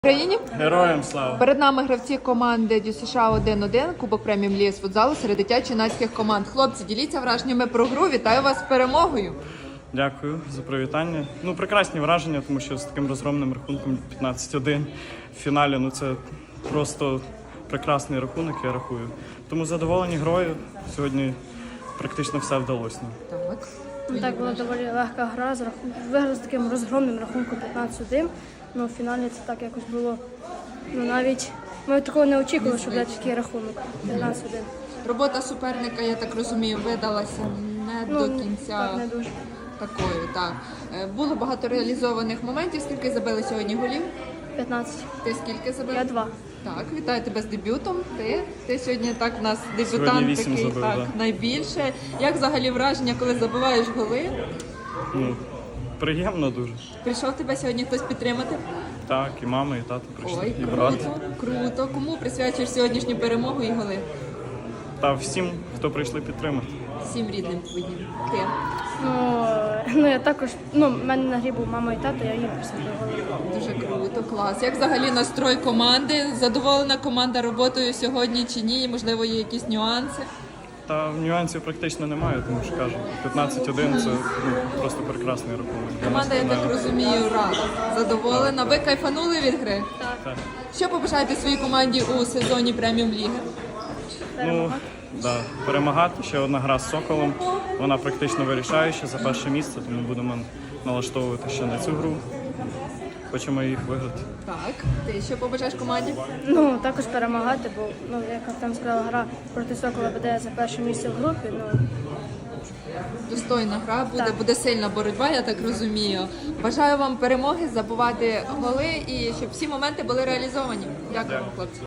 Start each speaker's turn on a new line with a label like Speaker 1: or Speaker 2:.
Speaker 1: Україні
Speaker 2: Героям слава!
Speaker 1: перед нами гравці команди ДЮСШ 1-1, Кубок преміум ліги з футзалу серед дитячо-юнацьких команд. Хлопці, діліться враженнями про гру. Вітаю вас з перемогою.
Speaker 2: Дякую за привітання. Прекрасні враження, тому що з таким розгромним рахунком 15-1 в фіналі, це просто прекрасний рахунок, я рахую. Тому задоволені грою. Сьогодні практично все вдалося.
Speaker 1: Так.
Speaker 3: Так, була доволі легка гра, виграли з таким розгромним рахунком 15-1. В фіналі це так якось було, навіть ми такого не очікували, що буде такий рахунок 15-1.
Speaker 1: Робота суперника, я так розумію, видалася не до кінця
Speaker 3: так, не дуже.
Speaker 1: такою. Так. Було багато реалізованих моментів. Скільки забили сьогодні голів?
Speaker 3: 15.
Speaker 1: Ти скільки забив?
Speaker 3: Я 2.
Speaker 1: Так, вітаю тебе з дебютом. Ти сьогодні так в нас
Speaker 2: Сьогодні
Speaker 1: дебютант
Speaker 2: 8
Speaker 1: такий,
Speaker 2: забив,
Speaker 1: так,
Speaker 2: да.
Speaker 1: найбільше. Як взагалі враження, коли забиваєш голи?
Speaker 2: Приємно дуже.
Speaker 1: Прийшов тебе сьогодні хтось підтримати?
Speaker 2: Так, і мама, і тато прийшли,
Speaker 1: Ой,
Speaker 2: і брат.
Speaker 1: круто. Кому присвячуєш сьогоднішню перемогу і голи?
Speaker 2: Та всім, хто прийшли підтримати.
Speaker 1: Всім рідним твоїм. Ти.
Speaker 3: Я також, в мене на грі був мама і тато, я їм присвятив голи.
Speaker 1: Дуже круто, клас. Як взагалі настрой команди? Задоволена команда роботою сьогодні чи ні? Можливо, є якісь нюанси?
Speaker 2: Та нюансів практично немає, тому що кажу, 15-1 це просто прекрасний рахунок.
Speaker 1: Команда, я так розумію, рада. Задоволена. Ви кайфанули від гри?
Speaker 2: Так.
Speaker 1: Що побажаєте своїй команді у сезоні преміум ліги?
Speaker 2: Перемагати. Ще одна гра з Соколом. Вона практично вирішаюча за перше місце, тому будемо налаштовувати ще на цю гру. Хочемо їх виграти.
Speaker 1: Так. Ти що побажаєш команді?
Speaker 3: Також перемагати, бо, як там сказала, гра проти Сокола буде за перше місце в групі.
Speaker 1: Достойна гра буде,
Speaker 3: Так.
Speaker 1: буде сильна боротьба, я так розумію. Бажаю вам перемоги, забувати голи і щоб всі моменти були реалізовані. Дякую, хлопці.